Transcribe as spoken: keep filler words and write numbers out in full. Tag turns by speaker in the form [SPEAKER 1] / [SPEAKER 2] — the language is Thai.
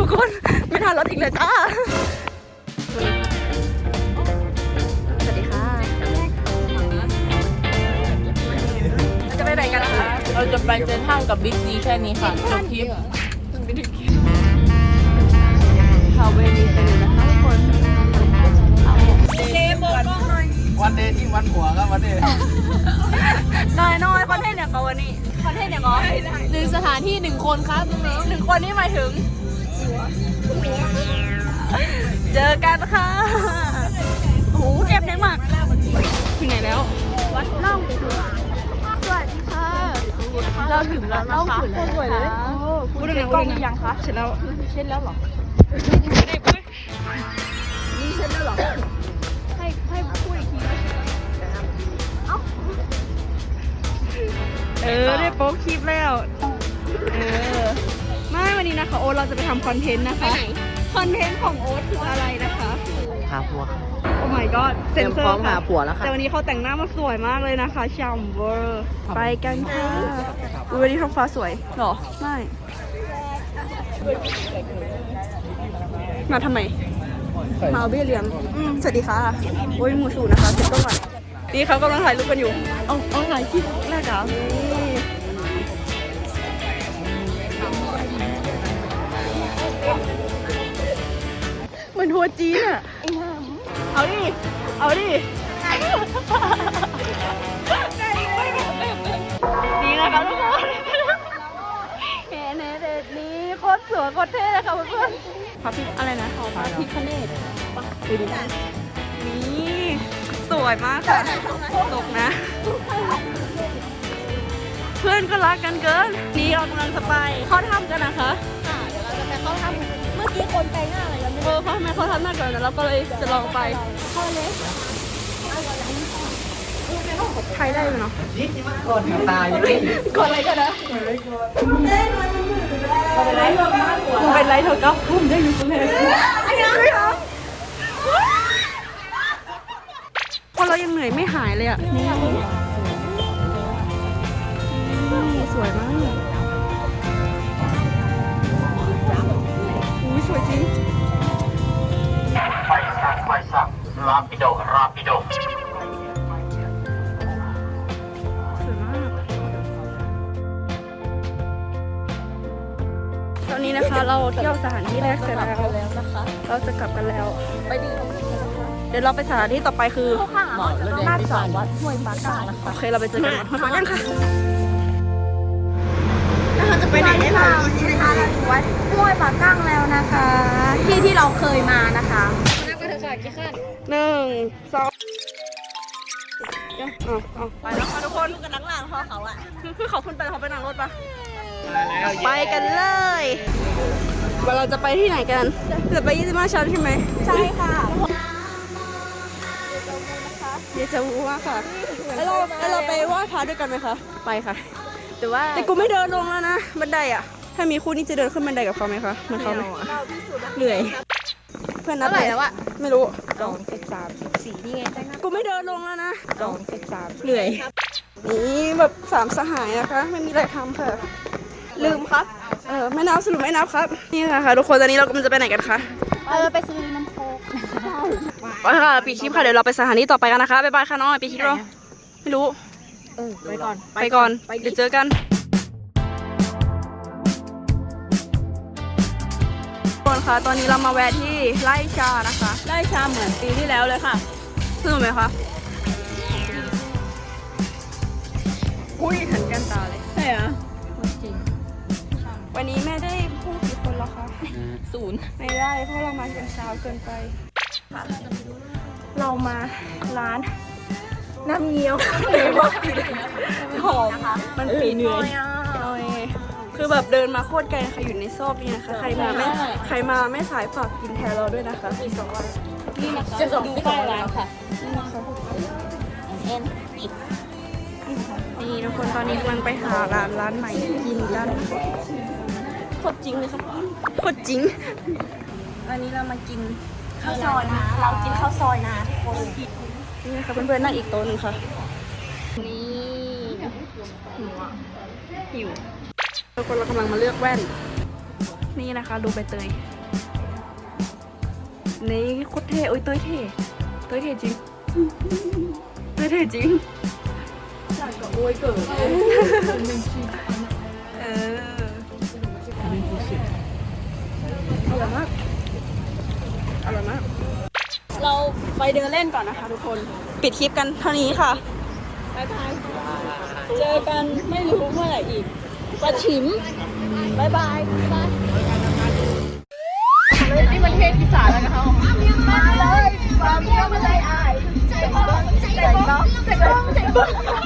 [SPEAKER 1] คนไม่ทันรถอีกเลยจ้าสวัสดีค่ะจะไปไหนกันคะ
[SPEAKER 2] เราจะไปเซ็นทรัลกับบิ๊กซีแค่นี้ค่ะจบทริป
[SPEAKER 1] ข่าวเวทีไปเลยนะคะทุกคนเจมบอกกล้องหน่อย
[SPEAKER 3] วันเดย์ที่วันหัวครับวันเดย์
[SPEAKER 1] น้อยน้อยคอนเทนต์อย่างก่อนวันนี้คอนเทนต์อย่างก่อน
[SPEAKER 2] หนึ่งสถานที่หนึ่งคนครับน้อง
[SPEAKER 1] หนึ่งคนนี่หมายถึงเจอกันค่ะโอ้โหเจ็บแน่มากถึงไหนแล้ววัดล่องสวัสดีค่ะเราถึงแล้วนะคะสวยเลยพูดถึงกล้องยังคะเสร็จแล้วเช็ดแล้วหรอนี่เช็ดแล้วหรอให้ให้พูดอีกทีเอ้าเออได้โป๊กคลิปแล้วเออไม่วันนี้นะคะโอ๊ตเราจะไปทำคอนเทนต์นะคะคอนเทนต์ของโอ๊ตคืออะไรนะคะ
[SPEAKER 3] หาผัว
[SPEAKER 1] โอ้ my god เซ็นเซอร์
[SPEAKER 3] หาผัวแล้วค่ะ
[SPEAKER 1] แต่วันนี้เขาแต่งหน้ามาสวยมากเลยนะคะฉ่ำเวอร์ไปกันค่ะวันนี้ท้องฟ้าสวยหรอไม่มาทำไมมาเอาเบี้ยเลี้ยงสวัสดีค่ะโอ้ยหมูสูนะคะเซ็ตต้องก่อนนี่เขากำลังถ่ายรูปกันอยู่เอาเอาถ่ายคลิปแรกเหรอเหมือนทัวร์จีนอ่ะเอาดิเอาดินี่นะคะทุกคนเห็นเด็ดนี้โคตรสวยโคตรเท่เลยค่ะเพื่อนพระพิฆอะไรนะพระพิฆเนศดูดินี่สวยมากค่ะตกนะเพื่อนก็รักกันเกินนี่เรากำลังจะไปเข้าถ้ำกันนะคะค่ะเดี๋ยวเราจะไปเข้าถ้ำเมื่อกี้คนไปหน้าอะไรกันเออเขาทำไมเขาทำหน้าก่อนนะเราก็เลยจะลองไปเข้าเลยใครได้ไหมเนาะ
[SPEAKER 3] กดตาย
[SPEAKER 1] กดอะไรกันนะเป็นไรเป็นไรเธอก็พุ่มได้อยู่ตรงไหนคนเรายังเหนื่อยไม่หายเลยอ่ะนี่สวยมากอุ้ยสวยจริง
[SPEAKER 3] ไฟสักไฟสักราปิโดราปิโด
[SPEAKER 1] ตอนนี้นะคะเราเที่ยวสถานที่แรกเสร็จแล้วนะคะเราจะกลับกันแล้วไปดีเดี๋ยวเราไปสถานที่ต่อไปคือลาดสาววัดห้วยปากางนะคะโอเคเราไปเจอกันห้วยปากางค่ะเราจะไปไหนได้บ้างนะคะเราอยู่วัดห้วยปากางแล้วนะคะที่ที่เราเคยมานะคะนั่งไปเถอะค่ะกี่ขั้นหนึ่งสองเอาเอาไปแล้วค่ะทุกคนกันนั่งหลังพอเขาอะคือเขาขึ้นไปเขาไปนั่งรถปะไปกันเลยว่าเราจะไปที่ไหนกันจะไปยี่สิบห้าชั้นใช่ไหมใช่ค่ะเดี๋ยวจะวูมากค่ะแล้วเราแล้วเราไปไหว้พระด้วยกันไหมคะไปค่ะแต่ว่าแต่กูไม่เดินลงแล้วนะบันไดอ่ะถ้ามีคู่นี้จะเดินขึ้นบันไดกับเขาไหมคะเหมือนเขาไหมเหนื่อยเพื่อนนัดไหนแล้วอะไม่รู้สองสิบสามสี่นี่ไงกูไม่เดินลงแล้วนะสองสิบสามเหนื่อยนี่แบบสามสหายนะคะไม่มีอะไรทำค่ะลืมครับเออไม่นับสรุปไม่นับครับนี่ค่ะทุกคนตอนนี้เรากำลังจะไปไหนกันคะ
[SPEAKER 2] เออไปซื้อน้ำโค้ก
[SPEAKER 1] ไปค่ะปีคลิปค่ะเดี๋ยวเราไปสถานีต่อไปกันนะคะบ๊ายบายค่ะน้องปีคลิปเราไม่รู้
[SPEAKER 2] เออไปก่อน
[SPEAKER 1] ไปก่อนเดี๋ยวเจอกันทุกคนคะตอนนี้เรามาแวะที่ไร่ชานะคะ
[SPEAKER 2] ไล่ชาเหมือนปีที่แล้วเลยค่ะ
[SPEAKER 1] สนุกไหมคะอุ้ยหันกันตาเลย
[SPEAKER 2] ใช่เหรอจริง
[SPEAKER 1] วันนี้แม่ได้พูดกี่คนแล้วคะ
[SPEAKER 2] ศูนย์
[SPEAKER 1] ไม่ได้เพราะเรามาเช้าเกินไปเรามาร้านน้ำเงี้ยวเลยว่าหอมมันปีเหนื่อยคือแบบเดินมาโคตรไกลนะคะอยู่ในซอกนี่นะคะใครมาไม่ใครมาไม่สายฝากกินแทนเราด้วยนะคะพี่สองวัน
[SPEAKER 2] นี่นะคะจะดูป้ายร้านค่ะ
[SPEAKER 1] นี่นะคะ
[SPEAKER 2] เอ็น
[SPEAKER 1] นี่ทุกคนตอนนี้กำลังไปหาร้านร้านใหม่กินกันโคตรจริงเลยค่ะโคตรจริงวันนี้เรามากินข้าวซอยนะเรากินข้าวซอยนะทุกคนนี่ค่ะเพื่อนๆนั่งอีกโต๊ะนึงค่ะนี่หิวหิวทุกคนเรากำลังมาเลือกแว่นนี่นะคะดูใบเตยนี่โคตรเท่โอ้ยเต้ยเท่เต้ยเท่จริงเต้ยเท่จริงจากกับโอ้ยเกิดเอออร่อยมากอร่อยมากเราไปเดินเล่นก่อนนะคะทุกคนปิดคลิปกันเท่านี้ค่ะบ๊ายบายเจอกันไม่รู้เมื่อไหร่อีกปะฉิมบ๊ายบายบ๊ายบายนี่มันเทศอีสานแล้วนะคะมาเลยมาเที่ยวมาเลยอายใจบ้องใจบ้องใจบ้องใจบ้อง